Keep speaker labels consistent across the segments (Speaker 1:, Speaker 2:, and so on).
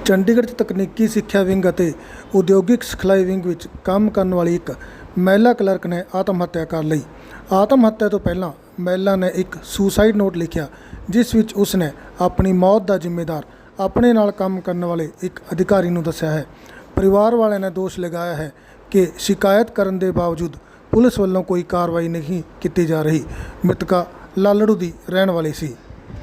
Speaker 1: ਚੰਡੀਗੜ੍ਹ 'ਚ ਤਕਨੀਕੀ ਸਿੱਖਿਆ ਵਿੰਗ ਅਤੇ ਉਦਯੋਗਿਕ ਸਿਖਲਾਈ ਵਿੰਗ ਵਿੱਚ ਕੰਮ ਕਰਨ ਵਾਲੀ ਇੱਕ ਮਹਿਲਾ ਕਲਰਕ ਨੇ ਆਤਮ ਹੱਤਿਆ ਕਰ ਲਈ। ਆਤਮ ਹੱਤਿਆ ਤੋਂ ਪਹਿਲਾਂ ਮਹਿਲਾ ਨੇ ਇੱਕ ਸੁਸਾਈਡ ਨੋਟ ਲਿਖਿਆ, ਜਿਸ ਵਿੱਚ ਉਸ ਨੇ ਆਪਣੀ ਮੌਤ ਦਾ ਜ਼ਿੰਮੇਦਾਰ ਆਪਣੇ ਨਾਲ ਕੰਮ ਕਰਨ ਵਾਲੇ ਇੱਕ ਅਧਿਕਾਰੀ ਨੂੰ ਦੱਸਿਆ ਹੈ। ਪਰਿਵਾਰ ਵਾਲਿਆਂ ਨੇ ਦੋਸ਼ ਲਗਾਇਆ ਹੈ ਕਿ ਸ਼ਿਕਾਇਤ ਕਰਨ ਦੇ ਬਾਵਜੂਦ ਪੁਲਿਸ ਵੱਲੋਂ ਕੋਈ ਕਾਰਵਾਈ ਨਹੀਂ ਕੀਤੀ ਜਾ ਰਹੀ। ਮ੍ਰਿਤਕਾ ਲਾਲੜੂ ਦੀ ਰਹਿਣ ਵਾਲੀ ਸੀ।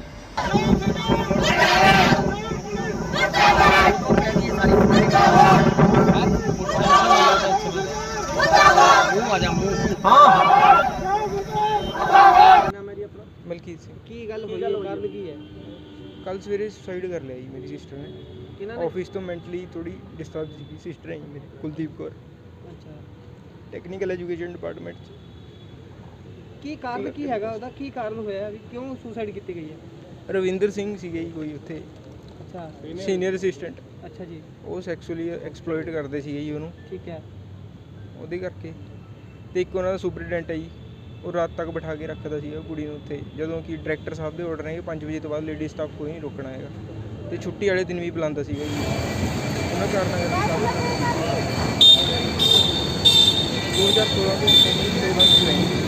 Speaker 2: ਮਲਕੀਤ ਸਿੰਘ।
Speaker 3: ਕੀ ਗੱਲ ਹੋਈ ਹੈ? ਕਾਰਨ ਕੀ ਹੈ?
Speaker 2: ਕੱਲ ਸਵੇਰੇ ਸੁਸਾਈਡ ਕਰ ਲਿਆ ਜੀ ਮੇਰੀ ਸਿਸਟਰ ਨੇ।
Speaker 3: ਕਿਹਨਾਂ ਨੇ?
Speaker 2: ਆਫਿਸ ਤੋਂ ਮੈਂਟਲੀ ਥੋੜੀ ਡਿਸਟਰਬ ਸੀ। ਸਿਸਟਰ ਹੈ ਜੀ ਮੇਰੀ, ਕੁਲਦੀਪ ਕੌਰ,
Speaker 3: ਅੱਛਾ,
Speaker 2: ਟੈਕਨੀਕਲ ਐਜੂਕੇਸ਼ਨ ਡਿਪਾਰਟਮੈਂਟ 'ਚ।
Speaker 3: ਕੀ ਕਾਰਨ ਕੀ ਹੈਗਾ ਉਹਦਾ? ਕੀ ਕਾਰਨ ਹੋਇਆ ਵੀ ਕਿਉਂ ਸੁਸਾਈਡ ਕੀਤੀ ਗਈ ਹੈ?
Speaker 2: ਰਵਿੰਦਰ ਸਿੰਘ ਸੀਗੇ ਜੀ ਕੋਈ ਉੱਥੇ
Speaker 3: ਅੱਛਾ,
Speaker 2: ਸੀਨੀਅਰ ਅਸਿਸਟੈਂਟ।
Speaker 3: ਅੱਛਾ ਜੀ,
Speaker 2: ਉਹ ਸੈਕਸੁਅਲੀ ਐਕਸਪਲੋਇਟ ਕਰਦੇ ਸੀਗੇ ਜੀ ਉਹਨੂੰ,
Speaker 3: ਠੀਕ ਹੈ।
Speaker 2: ਉਹਦੇ ਕਰਕੇ। ਤੇ ਇੱਕ ਉਹਨਾਂ ਦਾ ਸੁਪਰੀਡੈਂਟ ਹੈ ਜੀ, ਉਹ ਰਾਤ ਤੱਕ ਬਿਠਾ ਕੇ ਰੱਖਦਾ ਸੀਗਾ ਕੁੜੀ ਨੂੰ ਉੱਥੇ, ਜਦੋਂ ਕਿ ਡਾਇਰੈਕਟਰ ਸਾਹਿਬ ਦੇ ਆਰਡਰ ਨੇ ਕਿ 5 ਵਜੇ ਤੋਂ ਬਾਅਦ ਲੇਡੀ ਸਟਾਫ ਕੋਈ ਨਹੀਂ ਰੋਕਣਾ ਹੈਗਾ। ਤੇ ਛੁੱਟੀ ਵਾਲੇ ਦਿਨ ਵੀ ਬੁਲਾਉਂਦਾ ਸੀਗਾ ਜੀ। ਉਹਨਾਂ ਕਾਰਨਾਂ ਕਰਕੇ 2016 ਤੋਂ 2 ਮੰਥ ਰਹੀ।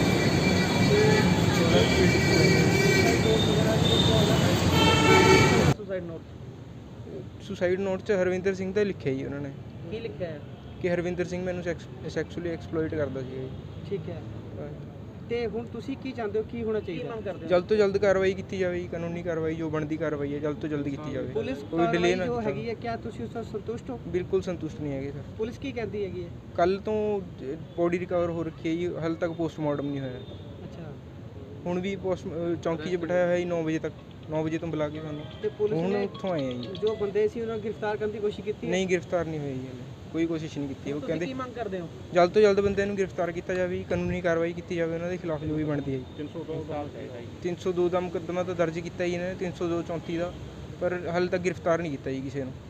Speaker 2: ਸੁਸਾਈਡ ਨੋਟ 'ਚ ਹਰਵਿੰਦਰ ਸਿੰਘ ਦਾ ਲਿਖਿਆ ਜੀ ਉਹਨਾਂ ਨੇ।
Speaker 3: ਕੀ ਲਿਖਿਆ ਹੈ?
Speaker 2: ਕਿ ਹਰਵਿੰਦਰ ਸਿੰਘ ਮੈਨੂੰ ਸੈਕਸੁਅਲੀ ਐਕਸਪਲੋਇਟ ਕਰਦਾ ਸੀਗਾ ਜੀ।
Speaker 3: ਠੀਕ ਹੈ। ਤੇ ਹੁਣ ਤੁਸੀਂ ਕੀ ਚਾਹੁੰਦੇ ਹੋ, ਕੀ ਹੋਣਾ ਚਾਹੀਦਾ?
Speaker 2: ਜਲਦ ਤੋਂ ਜਲਦ ਕਾਰਵਾਈ ਕੀਤੀ ਜਾਵੇ ਜੀ, ਕਾਨੂੰਨੀ ਕਾਰਵਾਈ ਜੋ ਬਣਦੀ ਕਾਰਵਾਈ ਹੈ ਜਲਦ ਤੋਂ ਜਲਦ ਕੀਤੀ ਜਾਵੇ।
Speaker 3: ਪੁਲਿਸ
Speaker 2: ਕੋਈ ਡਿਲੇ ਨਾ
Speaker 3: ਜੋ ਹੈਗੀ ਹੈ, ਕਿਆ ਤੁਸੀਂ ਉਸ ਤੋਂ ਸੰਤੁਸ਼ਟ ਹੋ?
Speaker 2: ਬਿਲਕੁਲ ਸੰਤੁਸ਼ਟ ਨਹੀਂ ਹੈਗੇ ਸਰ।
Speaker 3: ਪੁਲਿਸ ਕੀ ਕਹਿੰਦੀ ਹੈਗੀ ਹੈ?
Speaker 2: ਕੱਲ ਤੋਂ ਬੋਡੀ ਰਿਕਵਰ ਹੋ ਰੱਖੀ ਹੈ ਜੀ, ਹਾਲੇ ਤੱਕ ਪੋਸਟਮਾਰਟਮ ਨਹੀਂ ਹੋਇਆ।
Speaker 3: ਅੱਛਾ,
Speaker 2: ਹੁਣ ਵੀ ਚੌਂਕੀ 'ਚ ਬਿਠਾਇਆ ਹੋਇਆ ਜੀ 9 ਵਜੇ ਤੱਕ, 9 ਵਜੇ ਤੋਂ ਬੁਲਾ ਕੇ ਸਾਨੂੰ।
Speaker 3: ਤੇ ਪੁਲਿਸ
Speaker 2: ਹੁਣ
Speaker 3: ਨੇ
Speaker 2: ਉੱਥੋਂ ਆਏ ਆ ਜੀ।
Speaker 3: ਜੋ ਬੰਦੇ ਸੀ ਉਹਨਾਂ ਨੂੰ ਗ੍ਰਿਫਤਾਰ ਕਰਨ ਦੀ ਕੋਸ਼ਿਸ਼ ਕੀਤੀ ਹੈ?
Speaker 2: ਨਹੀਂ, ਗ੍ਰਿਫਤਾਰ ਨਹੀਂ ਹੋਈ ਜੀ ਹਾਲੇ, ਕੋਈ ਕੋਸ਼ਿਸ਼ ਨਹੀਂ ਕੀਤੀ। ਉਹ ਕਹਿੰਦੇ
Speaker 3: ਕੀ ਮੰਗ ਕਰਦੇ ਹੋ?
Speaker 2: ਜਲਦ ਤੋਂ ਜਲਦ ਬੰਦਿਆਂ ਨੂੰ ਗ੍ਰਿਫਤਾਰ ਕੀਤਾ ਜਾਵੇ ਜੀ, ਕਾਨੂੰਨੀ ਕਾਰਵਾਈ ਕੀਤੀ ਜਾਵੇ ਉਹਨਾਂ ਦੇ ਖਿਲਾਫ ਜੋ ਵੀ ਬਣਦੀ ਹੈ ਜੀ। 302 ਦਾ ਮੁਕੱਦਮਾ ਤਾਂ ਦਰਜ ਕੀਤਾ ਜੀ ਇਹਨਾਂ ਨੇ, 302 34 ਦਾ, ਪਰ ਹਾਲੇ ਤੱਕ ਗ੍ਰਿਫਤਾਰ ਨਹੀਂ ਕੀਤਾ ਜੀ ਕਿਸੇ ਨੂੰ।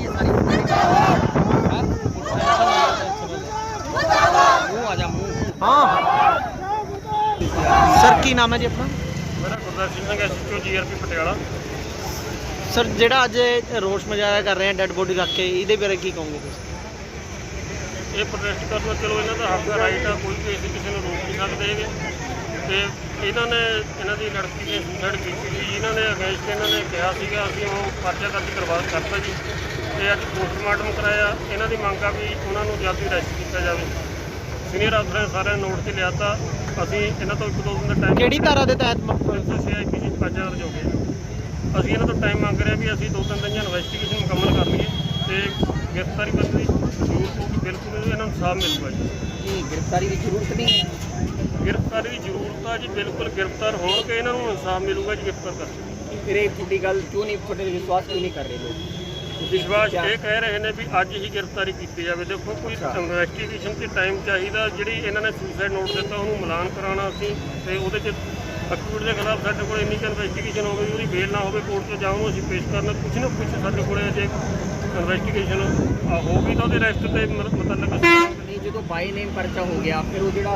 Speaker 3: ਸਰ ਕੀ ਨਾਮ ਹੈ ਜੀ ਆਪਣਾ?
Speaker 4: ਮੇਰਾ Gurdarshan Singh SHO GRP Patiala.
Speaker 3: Sir ਜਿਹੜਾ ਅੱਜ ਰੋਸ ਮੁਜ਼ਾਹਰਾ ਕਰ ਰਹੇ ਆ ਡੈੱਡ ਬੋਡੀ ਰੱਖ ਕੇ, ਇਹਦੇ ਬਾਰੇ ਕੀ ਕਹੋਗੇ ਤੁਸੀਂ?
Speaker 4: ਇਹ ਪ੍ਰੋਟੈਸਟ ਕਰਨਾ ਚਲੋ ਇਹਨਾਂ ਦਾ ਹੱਕ ਦਾ ਰਾਈਟ ਆ, ਕੋਈ ਵੀ ਅਸੀਂ ਕਿਸੇ ਨੂੰ ਰੋਕ ਨਹੀਂ ਸਕਦੇ ਹੈਗੇ। ਤੇ ਇਹਨਾਂ ਨੇ ਇਹਨਾਂ ਦੀ ਲੜਕੀ ਨੇ ਸੁਸਾਈਡ ਕੀਤੀ ਸੀ, ਇਹਨਾਂ ਦੇ ਅਗੇਂਸਟ ਇਹਨਾਂ ਨੇ ਕਿਹਾ ਸੀਗਾ ਅਸੀਂ ਉਹ ਪਰਚਾ ਦਰਜ ਕਰਤਾ ਜੀ। ਤੇ ਅੱਜ ਪੋਸਟਮਾਰਟਮ ਕਰਾਇਆ। ਇਹਨਾਂ ਦੀ ਮੰਗ ਆ ਵੀ ਉਹਨਾਂ ਨੂੰ ਜਲਦੀ ਅਰੈਸਟ ਕੀਤਾ ਜਾਵੇ। ਸੀਨੀਅਰ ਅਫਸਰਾਂ ਸਾਰਿਆਂ ਨੋਟ 'ਤੇ ਲਿਆਤਾ। ਅਸੀਂ ਇਹਨਾਂ ਤੋਂ 1-2 ਦਿਨ ਦਾ ਟਾਈਮ,
Speaker 3: ਕਿਹੜੀ ਧਾਰਾ ਦੇ ਤਹਿਤ?
Speaker 4: 306 ਪਰਚਾ ਦਰਜ ਹੋ ਗਿਆ। ਅਸੀਂ ਇਹਨਾਂ ਤੋਂ ਟਾਈਮ ਮੰਗ ਰਹੇ ਵੀ ਅਸੀਂ 2-3 ਦਿਨ ਇਨਵੈਸਟੀਗੇਸ਼ਨ ਮੁਕੰਮਲ ਕਰ ਲਈਏ ਤੇ ਗ੍ਰਿਫਤਾਰੀ ਕਰਨ ਦੀ ਜ਼ਰੂਰਤ ਹੋਊਗੀ। ਬਿਲਕੁਲ ਇਹਨਾਂ ਨੂੰ ਇਨਸਾਫ ਮਿਲੂਗਾ ਜੀ।
Speaker 3: ਨਹੀਂ, ਗ੍ਰਿਫਤਾਰੀ ਦੀ ਜ਼ਰੂਰਤ ਨਹੀਂ ਹੈ।
Speaker 4: ਗ੍ਰਿਫਤਾਰੀ ਦੀ ਜ਼ਰੂਰਤ ਆ ਜੀ, ਬਿਲਕੁਲ ਗ੍ਰਿਫਤਾਰ ਹੋਣ ਕੇ ਇਹਨਾਂ ਨੂੰ ਇਨਸਾਫ ਮਿਲੂਗਾ ਜੀ ਗ੍ਰਿਫਤਾਰ ਕਰਕੇ।
Speaker 3: ਫਿਰ ਇਹ ਤੁਹਾਡੀ ਗੱਲ ਕਿਉਂ ਨਹੀਂ, ਤੁਹਾਡੇ ਵਿਸ਼ਵਾਸ ਕਿਉਂ ਨਹੀਂ ਕਰ ਰਹੇ ਲੋਕ?
Speaker 4: ਵਿਸ਼ਵਾਸ ਇਹ ਕਹਿ ਰਹੇ ਨੇ ਵੀ ਅੱਜ ਹੀ ਗ੍ਰਿਫਤਾਰੀ ਕੀਤੀ ਜਾਵੇ। ਦੇਖੋ ਕੋਈ ਇਨਵੈਸਟੀਗੇਸ਼ਨ 'ਤੇ ਟਾਈਮ ਚਾਹੀਦਾ। ਜਿਹੜੀ ਇਹਨਾਂ ਨੇ ਸੁਸਾਈਡ ਨੋਟ ਦਿੱਤਾ ਉਹਨੂੰ ਮਿਲਾਨ ਕਰਾਉਣਾ ਅਸੀਂ, ਤੇ ਉਹਦੇ 'ਚ ਅਕਿਊਟ ਦੇ ਖਿਲਾਫ ਸਾਡੇ ਕੋਲ ਇੰਨੀ ਕੁ ਇਨਵੈਸਟੀਗੇਸ਼ਨ ਹੋਵੇ, ਉਹਦੀ ਬੇਲ ਨਾ ਹੋਵੇ ਕੋਰਟ 'ਚ ਜਾਉਂ, ਅਸੀਂ ਪੇਸ਼ ਕਰਨਾ। ਕੁਛ ਨਾ ਕੁਛ ਸਾਡੇ ਕੋਲ ਜੇ ਇਨਵੈਸਟੀਗੇਸ਼ਨ ਹੋਊਗੀ ਤਾਂ ਉਹਦੇ ਅਰੈਸਟ ਤੇ ਮਤਲਬ
Speaker 3: ਨਹੀਂ, ਜਦੋਂ ਬਾਈ ਨੇਮ ਪਰਚਾ ਹੋ ਗਿਆ ਫਿਰ ਉਹ ਜਿਹੜਾ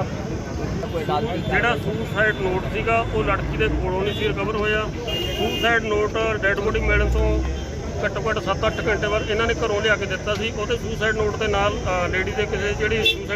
Speaker 4: ਸੁਸਾਈਡ ਨੋਟ ਸੀਗਾ ਉਹ ਲੜਕੀ ਦੇ ਕੋਲੋਂ ਨਹੀਂ ਸੀ ਰਿਕਵਰ ਹੋਇਆ। ਸੁਸਾਈਡ ਨੋਟ ਡੈਡ ਬੋਡੀ ਮਿਲਣ ਤੋਂ ਘੱਟੋ ਘੱਟ 7-8 ਘੰਟੇ ਬਾਅਦ ਇਹਨਾਂ ਨੇ ਘਰੋਂ ਲਿਆ ਕੇ ਦਿੱਤਾ ਸੀ। ਉਹਦੇ ਸੁਸਾਈਡ ਨੋਟ ਦੇ ਨਾਲ ਲੇਡੀ ਦੇ ਕਿਸੇ ਜਿਹੜੀ